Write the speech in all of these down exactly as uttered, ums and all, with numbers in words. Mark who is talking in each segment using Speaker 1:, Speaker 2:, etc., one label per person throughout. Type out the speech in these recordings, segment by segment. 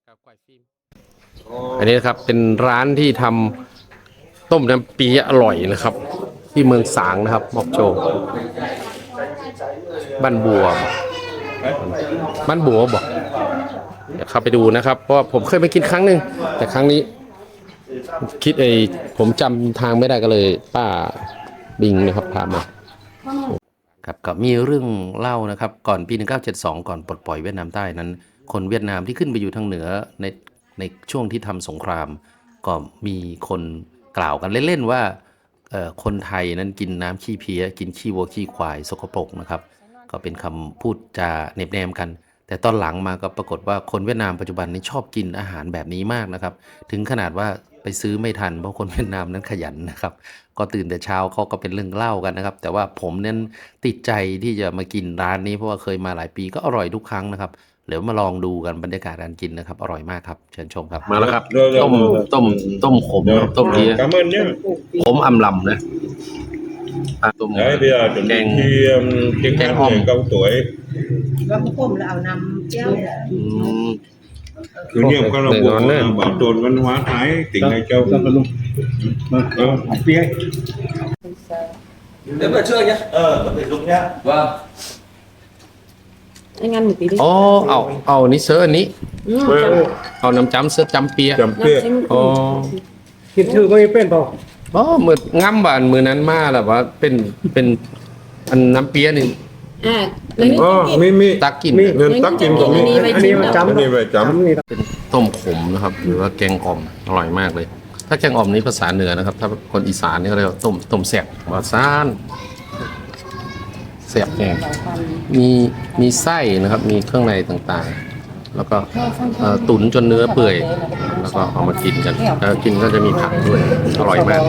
Speaker 1: ครับควายฟิล์มอันนี้นะครับเป็นร้านที่ทำต้มน้ำปีอร่อยนะครับ ที่เมืองสางนะครับมอกโจบ้านบัวบ้านบัวบอกเดี๋ยวเข้าไปดูนะครับเพราะผมเคยไปกินครั้งหนึ่งแต่ครั้งนี้คิดไอ้ผมจำทางไม่ได้ก็เลยป้าบิงนะครับพามาครับก็มีเรื่องเล่านะครับก่อนปีหนึ่งเก้าเจ็ดสองก่อนปลดปล่อยเวียดนามใต้นั้นคนเวียดนามที่ขึ้นไปอยู่ทางเหนือในในช่วงที่ทำสงครามก็มีคนกล่าวกันเล่นๆว่าคนไทยนั้นกินน้ำขี้เพี้ยกินขี้วัวขี้ควายสกปรกนะครับก็เป็นคำพูดจาเน็บแนมกันแต่ตอนหลังมาก็ปรากฏว่าคนเวียดนามปัจจุบันนี้ชอบกินอาหารแบบนี้มากนะครับถึงขนาดว่าไปซื้อไม่ทันเพราะคนเวียดนามนั้นขยันนะครับก็ตื่นแต่เช้าเขาก็เป็นเรื่องเล่ากันนะครับแต่ว่าผมเน้นติดใจที่จะมากินร้านนี้เพราะว่าเคยมาหลายปีก็อร่อยทุกครั้งนะครับเดี๋ยวมาลองดูกันบรรยากาศการกินนะครับอร่อยมากครับเชิญชมครับมาแล้วครับต้มต้มต้มขมต้มเพี้ยขมอำลำนะต้ม
Speaker 2: Đấy, bây giờ chuẩn bị khi tiếng hát người cao tuổi
Speaker 3: và cuối cùng là ảo nằm treo
Speaker 2: thứ nhiều câu lạc bộ bảo tồn văn hóa Thái tỉnh Lai Châu.
Speaker 4: Đếm vào chưa nhá? Ờ, vẫn phải dùng nhá. Vâng.
Speaker 3: Anh ăn một tí đi.
Speaker 1: อ๋อเอาเอานี่เสื้ออันนี้เอาน้ำจ้ำเสื้อจ้ำเปีย
Speaker 2: Chấm pia.
Speaker 1: อ๋อ
Speaker 5: คิดชื่อก็ไม่เป็นเปล่า
Speaker 1: อ๋อมือง่ำบานมือนั้นมาแล้วว่าเป็นเป็นอันน้ำเปียนี่
Speaker 3: À, lấy nước
Speaker 2: Ờ,
Speaker 3: tiết
Speaker 2: mi mi.
Speaker 1: ตักกิน
Speaker 2: Nên tắc kim của mi.
Speaker 5: อันนี้มันจำ
Speaker 2: Cái này về chấm.
Speaker 5: นี่
Speaker 1: เป็นต้มขมนะครับหรือว่าแกงอ่อมอร่อยมากเลย ถ้าแกงอ่อมนี้ภาษาเหนือนะครับ ถ้าคนอีสานนี่เขาเรียกว่าต้มต้มแซ่บว่าซ่านแซ่บแกงมีมีไส้นะครับมีเครื่องในต่างๆ แล้วก็เอ่อตุ๋นจนเนื้อเปื่อย แล้วก็เอามากินกันแล้วกินก็จะมีผักด้วยอร่อยมาก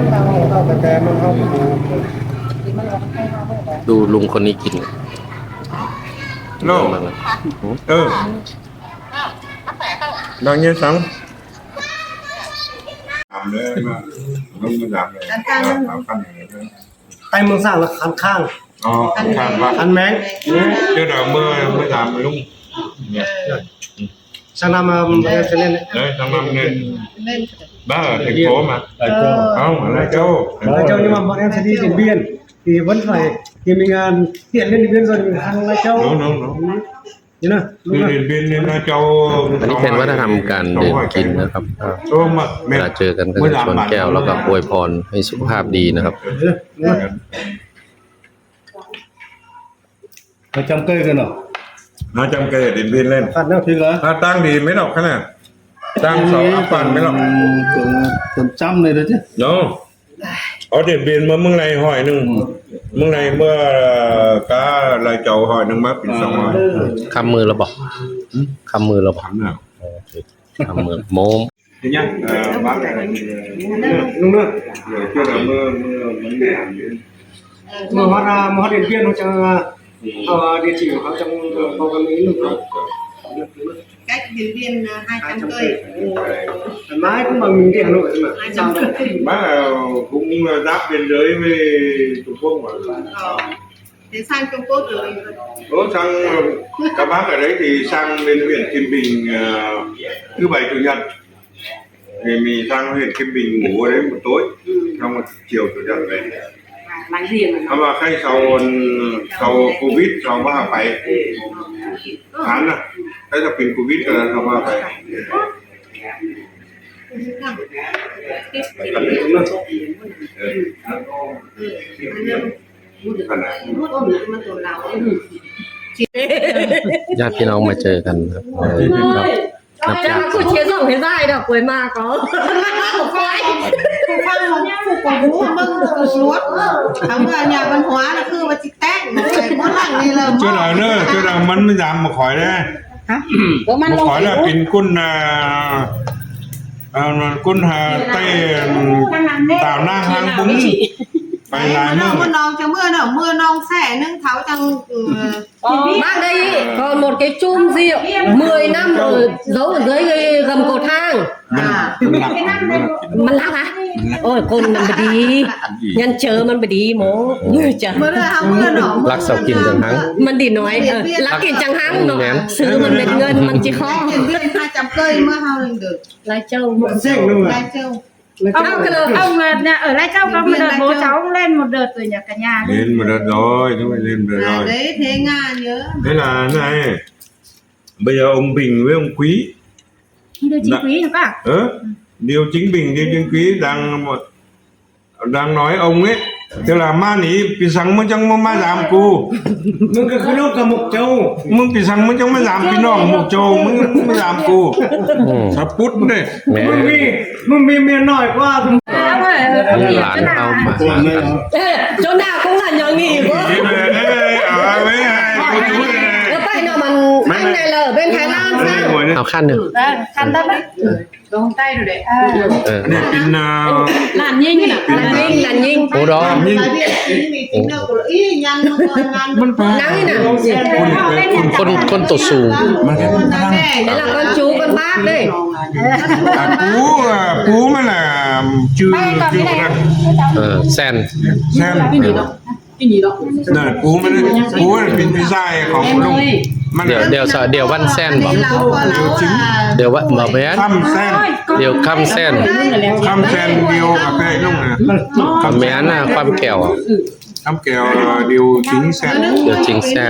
Speaker 1: ดูลุงคนนี้กิน
Speaker 2: No.
Speaker 1: มากเลย
Speaker 2: Ừ. Đang nhiên sống. Làm đấy mà. Không có làm này. Làm khăn này.
Speaker 5: ไต้เมืองสร้างละคันข้าง
Speaker 2: Ờ, khăn khăn
Speaker 5: คั
Speaker 2: vào.
Speaker 5: นแมง
Speaker 2: Chứ nào mưa mới làm luôn.
Speaker 5: ช่างนำมาจะเล่น
Speaker 2: Đấy, sang năm nên
Speaker 3: lên
Speaker 2: bác ở thành phố mà. Không, ở Lai Châu.
Speaker 5: เราเจ้านี่มาบอกแอมซีดีđiện biên thì vẫn phải thì mình tiện lên điện biên rồi mình sang Lai Châu
Speaker 2: Đúng, đúng, đúng.
Speaker 5: như nào đúng
Speaker 2: Đi
Speaker 5: rồi
Speaker 2: Điện Biên lên Lai Châu.
Speaker 1: อันนี้เป็นวัฒนธรรมการดื่มกินนะครับ
Speaker 2: Đúng mà.
Speaker 1: เวลาเจอกันก็จะชวนแก้วแล้วก็อวยพรให้สุขภาพดีนะครับ
Speaker 5: เราจำเกยกันเหรอ
Speaker 2: Nó trong cây ở Điện Biên lên.
Speaker 5: ขัดแล้วถึงเหรอ
Speaker 2: À, tăng thì mấy lọc thế này. Tăng sáu áp phần mấy lọc.
Speaker 5: จนจำเลยนะจ๊ะ
Speaker 2: Đúng. Ở Điện Biên mà mừng này hỏi nưng. Mừng này mưa cá Lai Châu hỏi nưng mắc xong rồi.
Speaker 1: คำมือเราบอกคำมือเราบอก
Speaker 2: Thắm nào.
Speaker 1: คำมือโมม
Speaker 2: Thế nhá. À, bác này.
Speaker 5: đúng rồi
Speaker 2: Rồi chưa là mưa mưa vấn đề.
Speaker 5: mà hóa ra mà hóa điện biên nó trong ờ, địa chỉ của họ trong bao cái mỹ lục rồi
Speaker 3: cách điện biên hai trăm cây
Speaker 5: mãi cũng bằng mình đi Hà Nội mà
Speaker 3: hai trăm cây
Speaker 2: Bác là cũng giáp biên giới với Trung Quốc mà.
Speaker 3: ờ. Thế sang Trung Quốc rồi
Speaker 2: Ủa sang các bác ở đấy thì sang bên huyện Kim Bình uh, thứ bảy chủ nhật thì mình sang huyện Kim Bình ngủ ở đấy một tối xong rồi chiều chủ nhật về.
Speaker 3: à, láng giềng
Speaker 2: Mà mà khai sau sau Covid sau ba phải tháng à cái là pin Covid là sau ba phải. Phần này.
Speaker 1: ญาติพี่น้องมาเจอกันครับเออครับนับญาติ
Speaker 6: cứ chia rộng thế dài đâu cuối mà có
Speaker 3: Phục Phan nó phục của bố mưng được suốt thắng là nhà văn hóa là cứ mà chích tét mà phải có lặng này là
Speaker 2: Chưa là nữa chưa là mắn mới giảm một khỏi đấy.
Speaker 6: có mang
Speaker 2: Một khỏi là pin quân à, à, quân hà tây tạo nang hang bún phải lại
Speaker 3: mưa
Speaker 2: mưa.
Speaker 3: non cho mưa nào mưa non xẻ nâng tháo trong
Speaker 6: mang đây còn một cái chum rượu mười năm rồi giấu ở dưới cái gầm cầu thang
Speaker 3: à
Speaker 6: mà lắc hả โอ้ยคนมันบ่ดียันเจอมันบ่ดีหมอเมื่อจ้ะ
Speaker 3: เมื่อเราเมื่อหนอ
Speaker 1: รักเสากินจังหัง
Speaker 6: มันดีน้อยเออรักกินจังหังเนาะซื้อมันเป็นเงินมันจิข้อ
Speaker 3: เห็นเพื่อนพาจำเกยเมื่อเฮาเด็ก
Speaker 6: หลายเจ้า
Speaker 5: Xanh luôn
Speaker 3: ได้
Speaker 5: à?
Speaker 3: เจ้า
Speaker 7: ông ông nè ở lại cháu có một đợt bố cháu lên một đợt rồi nhà cả nhà đi.
Speaker 2: lên một đợt rồi chúng mày lên một đợt
Speaker 3: อ่า
Speaker 2: rồi
Speaker 3: đấy thế nga nhớ
Speaker 2: thế là này bây giờ ông Bình với ông Quý
Speaker 7: Đưa chi
Speaker 2: Dạ.
Speaker 7: quý được à?
Speaker 2: ờ, điều chính Bình điều chính Quý đang một đang nói ông ấy tức là ma ní bị sáng mới chẳng ma giảm cô
Speaker 5: Mừng cái khối cả một châu.
Speaker 2: มึงปีสังมึงจังไม่giảmพี่น้องหมกโจมึงไม่giảmกู
Speaker 1: อืม
Speaker 2: สับปุ๊ดเลย
Speaker 1: แหม่
Speaker 5: Mừng mi, mừng mi miền nổi quá.
Speaker 7: Ông ơi, ông
Speaker 1: นี่
Speaker 7: hiểu
Speaker 1: หลาน
Speaker 7: thế
Speaker 1: เอา
Speaker 7: nào?
Speaker 1: มา
Speaker 6: เออchỗ nào cũng là nhỏ nghỉ quá
Speaker 2: เอ้ยเอ้ยเอาไว้ให้กูดูเลย
Speaker 6: แล้วไปเนาะมันอันไหนเลยเป็นไทยลานด์
Speaker 2: อัน
Speaker 6: ซะ
Speaker 2: นี้หวยเนี่ย
Speaker 1: เอาขั้นหนึ่ง
Speaker 7: Đây, khăn đất đấy.
Speaker 3: Đóng tay rồi đấy
Speaker 1: เออ
Speaker 2: อันนี้เป็นอ่า
Speaker 7: Làn nhanh nè.
Speaker 6: ลานยิงลานยิง
Speaker 1: โอ้ดอ
Speaker 3: Tại vì cái này tính đâu của ý nhăn nó rồi nhăn
Speaker 2: มันแปล
Speaker 6: นั่งนี่น่ะ
Speaker 1: คนคนตัวสูง
Speaker 2: มันแค่
Speaker 6: เดี๋ยวเราcon chú con bác đây
Speaker 2: อ่ะกูอ่ะกูมันอ่ะชื่อชื่อกัน
Speaker 1: เออแซน
Speaker 2: แซมน่ะกูมันกูมันเป็นพี่ชายของลุงมัน
Speaker 1: เดี๋ยวเดี๋ยวเดี๋ยววันแซนบอก
Speaker 3: Lão qua lão à
Speaker 1: เดี๋ยวว่าบอกแม่น
Speaker 2: คำแซน
Speaker 1: เดี๋ยวคำแซน
Speaker 2: คำแซนเดียวกับไอ้ลุงนะ
Speaker 1: คำแม่นน่ะความแก้วอะ
Speaker 2: คำแก้วเดียวchínhแซน
Speaker 1: เดี๋ยวจริงแซน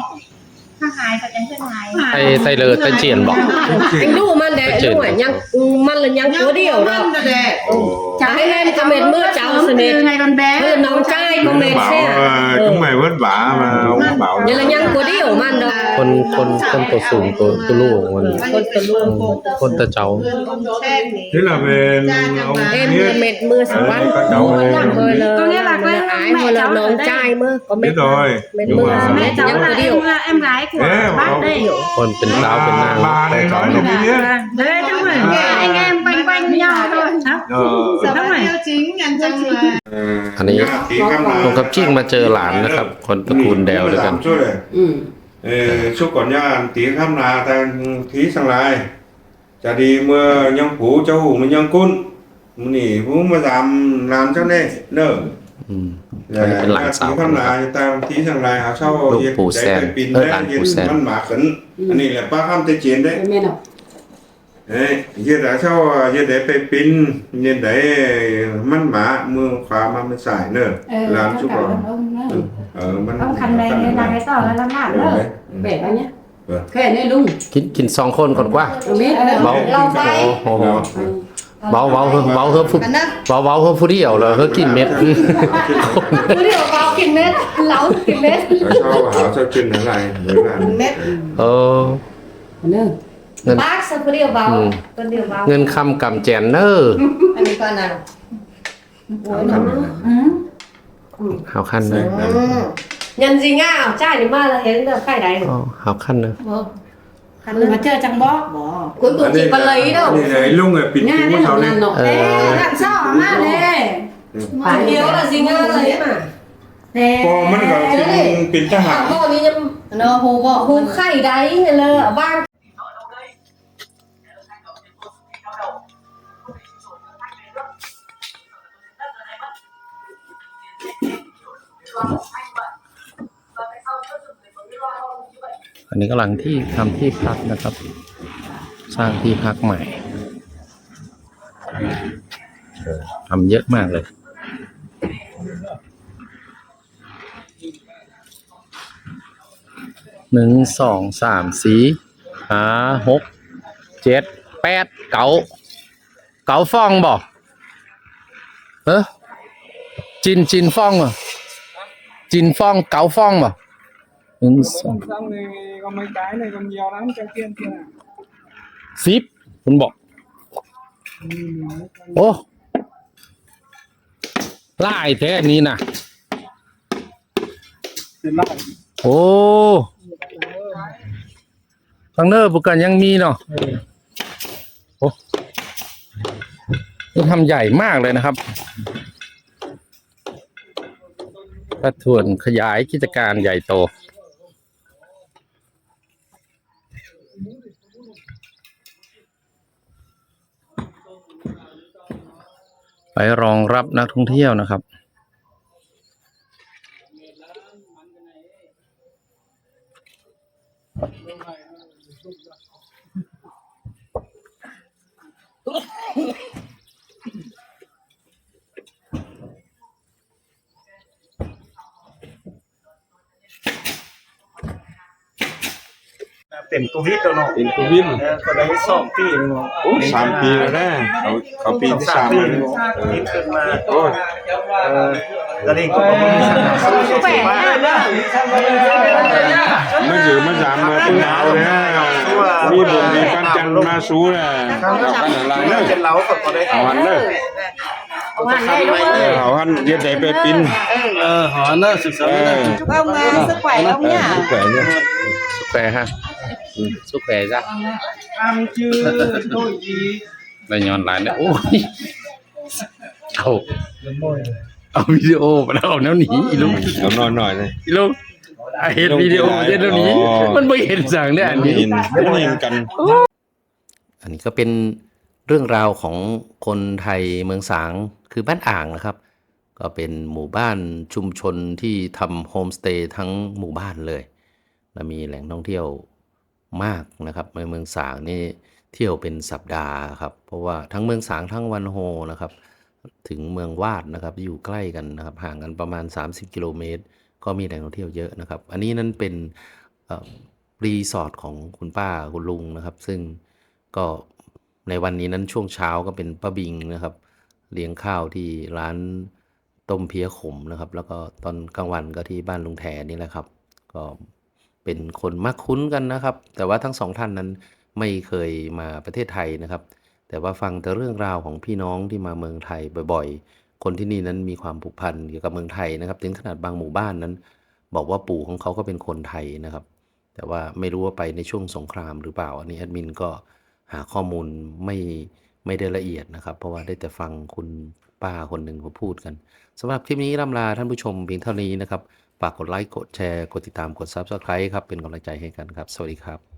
Speaker 7: Thằng Hải phải tránh thằng Hải.
Speaker 1: ไทยไทยเลอไทยเจียนบอก
Speaker 6: anh đu man để đúng rồi nhăng man là nhăng cố điều đó
Speaker 3: Nhăn rồi đấy
Speaker 6: cháu hay em có mệt mưa cháu sẽ mệt
Speaker 7: Từ ngày còn bé.
Speaker 6: bây giờ nóng trai có mệt
Speaker 2: bảo
Speaker 6: xe
Speaker 2: ờ, chúng mày vất vả mà ông bảo
Speaker 6: vậy là nhăng cố điều man đó
Speaker 1: คนคนคนตัวสูงตัวตัวลูกมัน
Speaker 6: คนตัวลูก
Speaker 1: คนตะเจ้า
Speaker 3: Sen thì
Speaker 2: thế là về ông
Speaker 6: em
Speaker 2: biết
Speaker 6: là mệt mưa sáng
Speaker 2: Đấy,
Speaker 6: quán
Speaker 2: các cháu này.
Speaker 6: mưa là
Speaker 7: Có nghĩa là cái
Speaker 6: ái
Speaker 7: mẹ
Speaker 6: mưa là
Speaker 7: cháu ở
Speaker 6: nóng
Speaker 7: đây.
Speaker 6: trai mưa có mệt
Speaker 2: biết rồi
Speaker 6: mệt
Speaker 2: nhưng
Speaker 6: mưa
Speaker 2: mà
Speaker 7: Mẹ cháu
Speaker 6: nhăng
Speaker 7: là
Speaker 6: cố điều
Speaker 7: em, em gái của
Speaker 2: Thế mà
Speaker 7: bác
Speaker 2: ông-
Speaker 7: đây.
Speaker 1: คนเป็นสาวเป็นนาง
Speaker 2: bà này nói là biết
Speaker 7: Đấy, đúng rồi. Anh em quanh quanh nhau thôi. Hả?
Speaker 2: ờ
Speaker 3: Sợ
Speaker 7: Đúng rồi.
Speaker 3: tiêu chính nhăn chân mà
Speaker 1: อันนี้
Speaker 2: tí khăm
Speaker 1: ผมกับจิ้งมาเจอหลานนะครับ คนตระกูลแดวด้วยกัน
Speaker 2: chút này Ê, suốt còn nha tí khăm là ta thí sang lại chả đi mưa nhông phú cho hủ mà nhông cún nỉ phú mà giảm làm cho nên nở
Speaker 1: อืม อันนี้เป็นหลานสาว
Speaker 2: tí khăm là ta thí sang lại hả sau
Speaker 1: ลูกปู่แซน
Speaker 2: pin
Speaker 1: เออ
Speaker 2: đấy
Speaker 1: หลานปู่แซน
Speaker 2: มันหมาkhẩn anh này là ba khăm tới chiến đấy đấy giờ đã sau giờ để phải pin giờ đểมันหมามือขวามามันสายเนอะlàm chút rồi ờ มัน
Speaker 7: Ông khăn này nên là cái tỏ là làm nào nữa.
Speaker 8: Bẻ bao nhá.
Speaker 2: Vâng.
Speaker 8: Cái này luôn.
Speaker 1: กินกินสองคนก่อนกว่า
Speaker 8: Rồi biết.
Speaker 1: เบาโอ้โหเบาเบาเบาเฮ้ฟุเบาเบาเฮ้ฟุเดียวเลยเฮ้กินเม็ด
Speaker 6: cố điều vào kìm mét lấu kìm mét
Speaker 2: Ở sau hảo sau chân nó lại mới làm
Speaker 3: Mét
Speaker 1: เออ
Speaker 8: Nữa.
Speaker 1: เงิน
Speaker 6: bác sao cố điều vào
Speaker 1: Ừ.
Speaker 6: cố điều vào
Speaker 1: เงินคำกำแจนเนอร์
Speaker 3: Anh đi con nào
Speaker 1: หาวขั้นเลย
Speaker 6: nhân gì nga trai thì ma là thế là khai đấy
Speaker 1: อ๋อหาวขั้นเลย
Speaker 7: Khăn mà chơi chẳng bó.
Speaker 6: cuối cùng chỉ có lấy đâu
Speaker 2: Đây này lúc này pin
Speaker 8: Nha
Speaker 2: cũ
Speaker 8: đây
Speaker 2: sau
Speaker 8: là
Speaker 2: đây
Speaker 8: lần nọ.
Speaker 1: Ờ.
Speaker 8: Ê,
Speaker 7: Làm sao mà nè.
Speaker 6: chủ yếu là gì nga lấy mà
Speaker 7: Nè.
Speaker 2: Cô mất gọi pin pin ta
Speaker 6: à
Speaker 2: hạt
Speaker 6: vô đi nhâm
Speaker 3: Nó hù vợ
Speaker 6: hù khay đấy là ở bang อันนี้กำลังที่ทำที่พักนะครับ สร้างที่พักใหม่ทำเยอะมากเลย หนึ่งสองสามสี่ห้าหกเจ็ดแปดเก้าเก้าฟองบ่เออจินจินฟองอ่ะจินฟองเก้าฟองบ่หนึ่งสอง
Speaker 5: Xong thì có mấy cái này còn nhiều lắm trong kia kia nào.
Speaker 1: สิบคุณบอก โอ้ไล่แท้นี้นะ
Speaker 5: Tiền lại.
Speaker 1: โอ้ทางเนอร์ปุกันยังมีเนาะโอ้นี่ทำใหญ่มากเลยนะครับกระถ่วนขยายกิจการใหญ่โต
Speaker 6: ไปรองรับนักท่องเที่ยวนะครับ
Speaker 5: เป็นโควิดแล้วเนาะ
Speaker 2: เป็นโควิด
Speaker 5: เออก็ได้สองปีเนาะ
Speaker 2: โอ้สามปีแล้วนะเขาเขาปีที่สาม
Speaker 5: ปี
Speaker 2: แล้ว
Speaker 5: เนาะนี่ขึ้นมา
Speaker 2: โอ้ย
Speaker 5: เออแล้วนี่ก็บ่มีสถานที่
Speaker 7: แปลก
Speaker 5: มา
Speaker 7: นะเนาะ
Speaker 2: ไม่ถือมาสามมาเป็นหนาวแล้วมีบุญมีปันจันทร์มาสู้แหละเอากันอะไร
Speaker 5: เลิ
Speaker 2: เน
Speaker 5: ก
Speaker 2: อะ
Speaker 5: เป็นเหล้าก็บ่ได้
Speaker 2: เอาหันเนอะ
Speaker 7: เอาหันได้ด้วย
Speaker 2: เออเอาหันเย็ดใจไปปิน
Speaker 4: เออหอเนอะศึกษา
Speaker 2: เอ
Speaker 4: เนอะ
Speaker 2: อ
Speaker 3: จุกเอามาสักไหวเอาเนี่ย
Speaker 2: ทุกแขวนเนี่ย
Speaker 1: สุกแควฮะอืมสุกแควจ้ะ
Speaker 5: อามชื่อโดยดี
Speaker 6: ได้ย้อนหลายเนี่ยโอ้ยเอาเอาวิดีโอมาแล้วเอาแนวหนีอีลุง
Speaker 2: เอานอนหน่อยเลย
Speaker 6: อีลุงไอ้เห็นวิดีโอเห็นแนวหนี
Speaker 2: อ๋อ
Speaker 6: มันไม่เห็นสั่งเนี่ยอัน
Speaker 2: ไม่
Speaker 6: นี้
Speaker 2: เห็นไม่เห็นกัน
Speaker 1: อันนี้ก็เป็นเรื่องราวของคนไทยเมืองสางคือบ้านอ่างนะครับ ก็เป็นหมู่บ้านชุมชนที่ทำโฮมสเตย์ทั้งหมู่บ้านเลยและมีแหล่งท่องเที่ยวมากนะครับในเมืองสางนี่เที่ยวเป็นสัปดาห์ครับเพราะว่าทั้งเมืองสางทั้งวันโฮนะครับถึงเมืองวาดนะครับอยู่ใกล้กันนะครับห่างกันประมาณสามสิบกิโลเมตรก็มีแหล่งท่องเที่ยวเยอะนะครับอันนี้นั้นเป็นเอ่อรีสอร์ทของคุณป้าคุณลุงนะครับซึ่งก็ในวันนี้นั้นช่วงเช้าก็เป็นป้าบิงนะครับเลี้ยงข้าวที่ร้านต้มเพี้ยขมนะครับแล้วก็ตอนกลางวันก็ที่บ้านลุงแทนนี่แหละครับก็เป็นคนมักคุ้นกันนะครับแต่ว่าทั้งสองท่านนั้นไม่เคยมาประเทศไทยนะครับแต่ว่าฟังแต่เรื่องราวของพี่น้องที่มาเมืองไทยบ่อยๆคนที่นี่นั้นมีความผูกพันเกี่ยวกับเมืองไทยนะครับถึงขนาดบางหมู่บ้านนั้นบอกว่าปู่ของเขาก็เป็นคนไทยนะครับแต่ว่าไม่รู้ว่าไปในช่วงสงครามหรือเปล่าอันนี้แอดมินก็หาข้อมูลไม่ไม่ได้ละเอียดนะครับเพราะว่าได้แต่ฟังคุณป้าคนหนึ่งเขาพูดกันสำหรับคลิปนี้ร่ำลาท่านผู้ชมเพียงเท่านี้นะครับฝากกดไลค์กดแชร์กดติดตามกด ซับสไครบ์ ครับเป็นกำลังใจให้กันครับสวัสดีครับ